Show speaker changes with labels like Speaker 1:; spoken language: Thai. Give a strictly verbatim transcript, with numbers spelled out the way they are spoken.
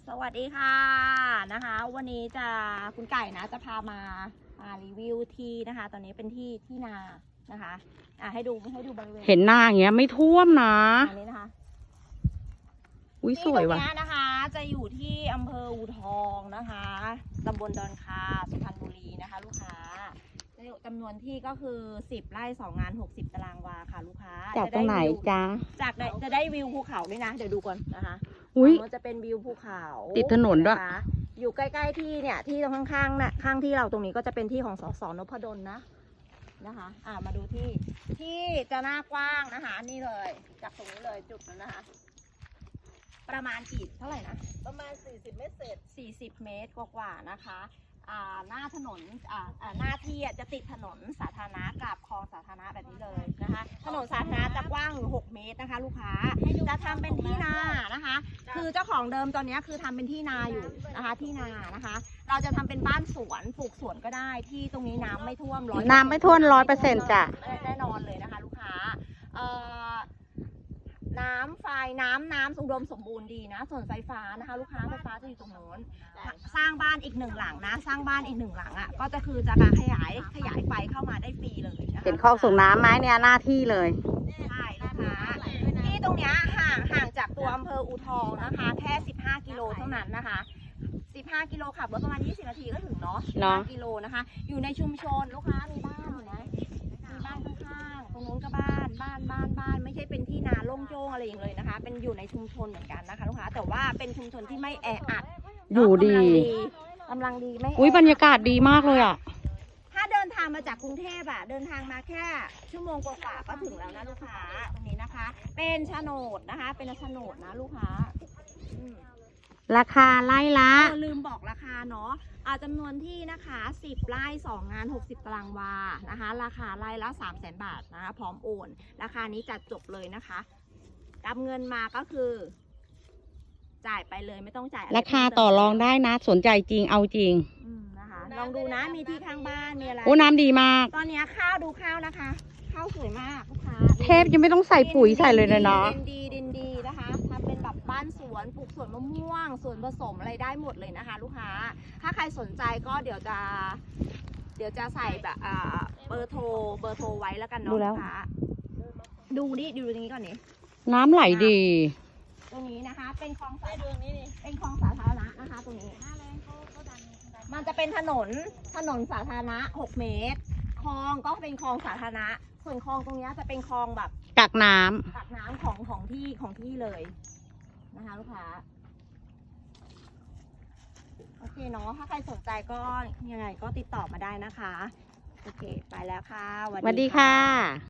Speaker 1: สวัสดีค่ะนะคะวันนี้จะคุณไก่นะจะพามามารีวิวที่นะคะ ตอนนี้เป็นที่ที่นานะคะอ่ะให้ดูให้ดูบริเวณ
Speaker 2: เห็นหน้าอย่างเงี้ยไม่ท่วมนะ
Speaker 1: อันนี้นะคะ
Speaker 2: อุ้ยส
Speaker 1: ที่
Speaker 2: วย
Speaker 1: ตรง
Speaker 2: ว่ะ
Speaker 1: เนี้ยนะคะ จะอยู่ที่อำเภออู่ทองนะคะตำบลดอนคาสุพรรณบุรีนะคะ ลูกค้าจำนวนที่ก็คือสิบไร่สองงานหกสิบตารางวาค่ะลูกค้า
Speaker 2: จากตรงไหนจ๊ะ
Speaker 1: จากจะได้วิวภูเขาด้วยนะเดี๋ยวดูก่อนนะคะ
Speaker 2: อุ้ย
Speaker 1: มันจะเป็นวิวภูเขา
Speaker 2: ติดถนนด้วย
Speaker 1: ะคะอยู่ใกล้ๆที่เนี่ยที่ตรงข้างๆนะข้างที่เราตรงนี้ก็จะเป็นที่ของสสนพดลนะนะคะอ่ามาดูที่ที่จะหน้ากว้างนะคะนี่เลยจากตรงนี้เลยจุดนั้นนะคะ ประมาณกี่เท่าไหร่นะประมาณสี่สิบเมตรเศษสี่สิบเมตรกว่าๆนะคะอ่าหน้าถนนอ่าอ่าหน้าที่อ่ะจะติดถนนสาธารณะกับคลองสาธารณะแบบนี้เลยนะคะถนนสาธารณะจะกว้างอยู่หกเมตรนะคะ ลูกค้าจะทำเป็นที่นานะคะ คือเจ้าของเดิมตอนนี้คือทำเป็นที่นาอยู่นะคะที่นานะคะ เราจะทำเป็นบ้านสวนปลูกสวนก็ได้ที่ตรงนี้น้ำไม่ท่วมร้อย
Speaker 2: น้ำไม่ท่วมร้อยเปอร์เซ็นต์จ้ะ
Speaker 1: แน่นอนเลยนะคะ ลูกค้าเอ่อน้ำไฟน้ำน้ำอุดมสมบูรณ์ดีนะส่วนไฟฟ้านะคะ ลูกค้าไฟฟ้าจะอยู่ตรงโน้นสร้างบ้านอีกหนึ่งหลังนะ สร้างบ้านอีกหนึ่งหลังอ่ะก็จะคือจะการขยายขยายไฟเข้ามาได้ฟรีเลยนะคะ
Speaker 2: เห็นคลองส่งน้ำไหมเนี่ยหน้าที่เลย
Speaker 1: ใช่ลูกค้าที่ตรงเนี้ยห่างห่างจากตัวอำเภออู่ทองนะคะแค่สิบห้ากิโลเท่านั้นนะคะสิบห้ากิโลขับรถประมาณยี่สิบนาทีก็ถึงเนาะสิบห้ากิโลนะคะอยู่ในชุมชนลูกค้ามีบ้านอยู่นะมีบ้านข้างๆตรงนู้นก็บ้านบ้านบ้านบ้านไม่ใช่เป็นที่นาโล่งโจ้งอะไรอย่างเลยนะคะเป็นอยู่ในชุมชนเหมือนกันนะคะลูกค้าแต่ว่าเป็นชุมชนที่ไม่แออัด
Speaker 2: อยู่ดี
Speaker 1: กำลังดีไม่แออัด
Speaker 2: อุ้ยบรรยากาศดีมากเลยอ่ะ
Speaker 1: ถ้าเดินทางมาจากกรุงเทพอะเดินทางมาแค่ชั่วโมงกว่าๆก็ถึงแล้วนะลูกค้าตรงนี้นะคะ เป็นโฉนดนะคะ เป็นโฉนดนะลูกค้าอืม
Speaker 2: ราคาไล่ละ
Speaker 1: เออลืมบอกราคาเนาะอ่าจำนวนที่นะคะสิบไร่สองงานหกสิบตารางวานะคะ ราคาไร่ละสามแสนบาทนะคะพร้อมโอนราคานี้จัดจบเลยนะคะรับเงินมาก็คือ จ่ายไปเลยไม่ต้องจ่ายอะไร
Speaker 2: ราคาต่อรองได้นะ สนใจจริงเอาจริง
Speaker 1: อืมนะคะลองดูนะมีที่ข้างบ้านมีอะไร
Speaker 2: โอ้น้ำดีมาก
Speaker 1: ตอนนี้ข้าวดูข้าวนะคะข้าวสวยมากลูกค้า
Speaker 2: เทพยังไม่ต้องใส่ปุ๋ยใส่เลยนะเนาะ
Speaker 1: ดินดีดินดีนะคะทำเป็นแบบบ้านสวนปลูกสวนมะม่วงสวนผสมอะไรได้หมดเลยนะคะ ลูกค้าถ้าใครสนใจก็เดี๋ยวจะ เดี๋ยวจะใส่แบบอ่าเบอร์โทรเบอร์โทรไว้แล้วกันเนาะ
Speaker 2: ดูแล้
Speaker 1: ลู
Speaker 2: ว
Speaker 1: กค้าดูนี่ดูตรงนี้ก่อนนี่
Speaker 2: น้ำไหลดี
Speaker 1: ตรงนี้นะคะ เป็นคลองสาธารณะเป็นคลองสาธารณะนะคะ ตรงนี้มันจะเป็นถนนถนนสาธารณะหกเมตรคลองก็เป็นคลองสาธารณะส่วนคลองตรงนี้จะเป็นคลองแบบ
Speaker 2: กักน้ำ
Speaker 1: ตักน้ำของของที่ของที่เลยนะคะลูกค้าโอเคเนาะถ้าใครสนใจก็ยังไงก็ติดต่อมาได้นะคะโอเคไปแล้วค่ะ
Speaker 2: สวัสดีค่ะ